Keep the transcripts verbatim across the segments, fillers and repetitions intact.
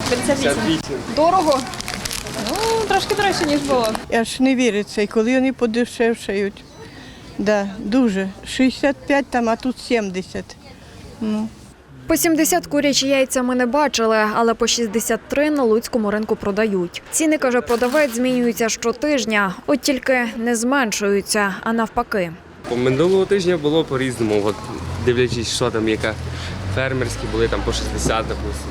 п'ятдесят вісім. Дорого? Ну, трошки дорожче, ніж було. Аж не віриться, і коли вони подешевшають. Да, дуже. шістдесят п'ять там, а тут сімдесят. Ну. По сімдесят курячі яйця ми не бачили, але по шістдесят три на луцькому ринку продають. Ціни, каже продавець, змінюються щотижня, от тільки не зменшуються, а навпаки. Минулого тижня було по-різному, от, дивлячись, що там, яка фермерські були там по шістдесят, допустимо.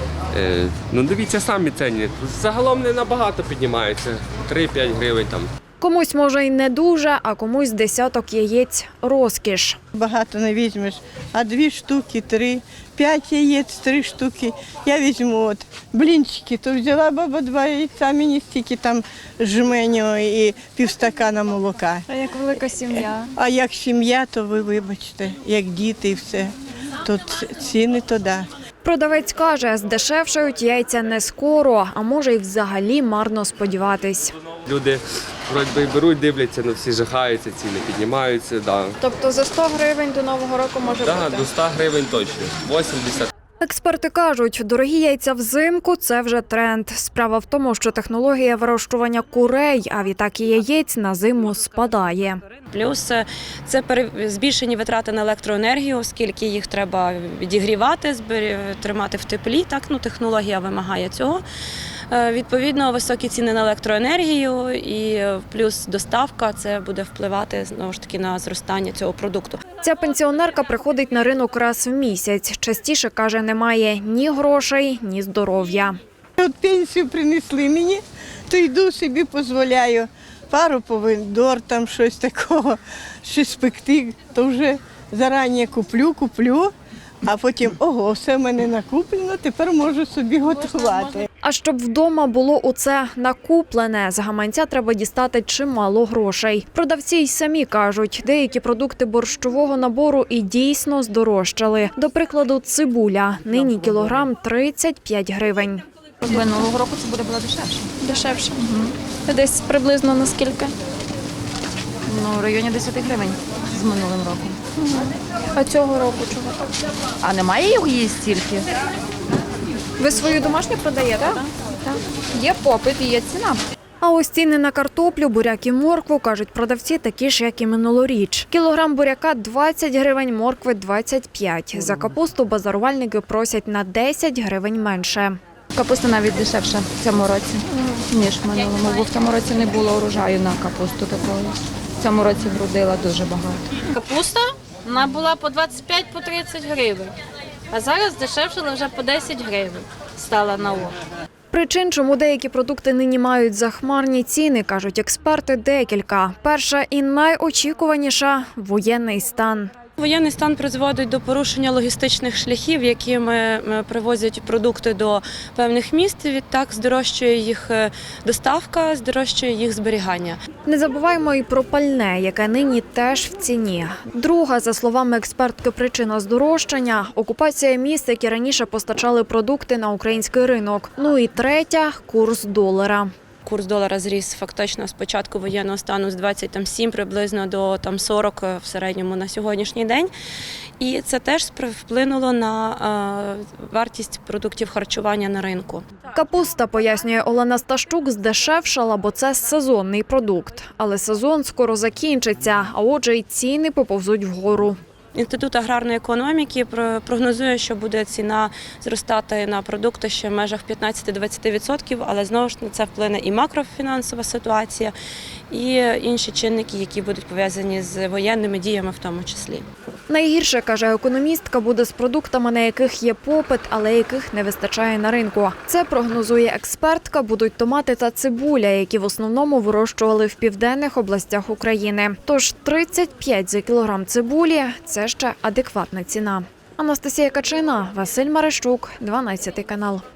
Е, ну дивіться самі ціни, загалом не набагато піднімаються, три-п'ять гривень там. Комусь, може, й не дуже, а комусь десяток яєць – розкіш. Багато не візьмеш, а дві штуки, три, п'ять яєць, три штуки. Я візьму от блінчики, то взяла баба два яйця, мені стільки там жменю і півстакана молока. А як велика сім'я? А як сім'я, то ви вибачте, як діти і все, то ціни то да. Продавець каже, здешевшають яйця не скоро, а може й взагалі марно сподіватись. Люди вроді би беруть, дивляться, ну всі жахаються, ціни піднімаються. Да. Тобто за сто гривень до Нового року може Да, бути? до ста гривень точно, вісімдесят. Експерти кажуть, дорогі яйця взимку – це вже тренд. Справа в тому, що технологія вирощування курей, а відтак і яєць на зиму спадає. Плюс це збільшені витрати на електроенергію, оскільки їх треба відігрівати, тримати в теплі. Так, ну, технологія вимагає цього. Відповідно, високі ціни на електроенергію і плюс доставка – це буде впливати знову ж таки на зростання цього продукту. Ця пенсіонерка приходить на ринок раз в місяць. Частіше, каже, немає ні грошей, ні здоров'я. От пенсію принесли мені, то йду собі, дозволяю пару помідор, там щось такого, щось пекти, то вже зарані куплю, куплю, а потім, ого, все в мене накуплено, тепер можу собі готувати. А щоб вдома було оце накуплене, з гаманця треба дістати чимало грошей. Продавці й самі кажуть, деякі продукти борщового набору і дійсно здорожчали. До прикладу, цибуля. Нині кілограм тридцять п'ять гривень. Минулого року це буде було дешевше. Дешевше. Угу. Десь приблизно на скільки? Ну, в районі десять гривень з минулим роком. Угу. А цього року чого так? А немає його її стільки? Ви свою домашню продаєте? Так. Так. Є попит і є ціна. А ось ціни на картоплю, буряк і моркву, кажуть продавці, такі ж, як і минулоріч. Кілограм буряка – двадцять гривень, моркви – двадцять п'ять. За капусту базарувальники просять на десять гривень менше. Капуста навіть дешевша в цьому році, ніж в минулому, бо в цьому році не було урожаю на капусту такої. В цьому році вродила дуже багато. Капуста вона була по двадцять п'ять - по тридцять гривень, а зараз дешевшала вже по десять гривень стала на ок. Причин, чому деякі продукти нині мають захмарні ціни, кажуть експерти, декілька. Перша і найочікуваніша – воєнний стан. Воєнний стан призводить до порушення логістичних шляхів, якими привозять продукти до певних міст. Відтак здорожчує їх доставка, здорожчує їх зберігання. Не забуваємо і про пальне, яке нині теж в ціні. Друга, за словами експертки, причина здорожчання – окупація міст, які раніше постачали продукти на український ринок. Ну і третя – курс долара. Курс долара зріс фактично з початку воєнного стану з двадцять сім приблизно до там, сорок в середньому на сьогоднішній день. І це теж вплинуло на е, вартість продуктів харчування на ринку. Капуста, пояснює Олена Сташчук, здешевшала, бо це сезонний продукт. Але сезон скоро закінчиться, а отже й ціни поповзуть вгору. Інститут аграрної економіки прогнозує, що буде ціна зростати на продукти ще в межах п'ятнадцять - двадцять відсотків, але знову ж на це вплине і макрофінансова ситуація, і інші чинники, які будуть пов'язані з воєнними діями в тому числі. Найгірше, каже економістка, буде з продуктами, на яких є попит, але яких не вистачає на ринку. Це, прогнозує експертка, будуть томати та цибуля, які в основному вирощували в південних областях України. Тож тридцять п'ять за кілограм цибулі – це ще адекватна ціна. Анастасія Качина, Василь Марищук, дванадцятий канал.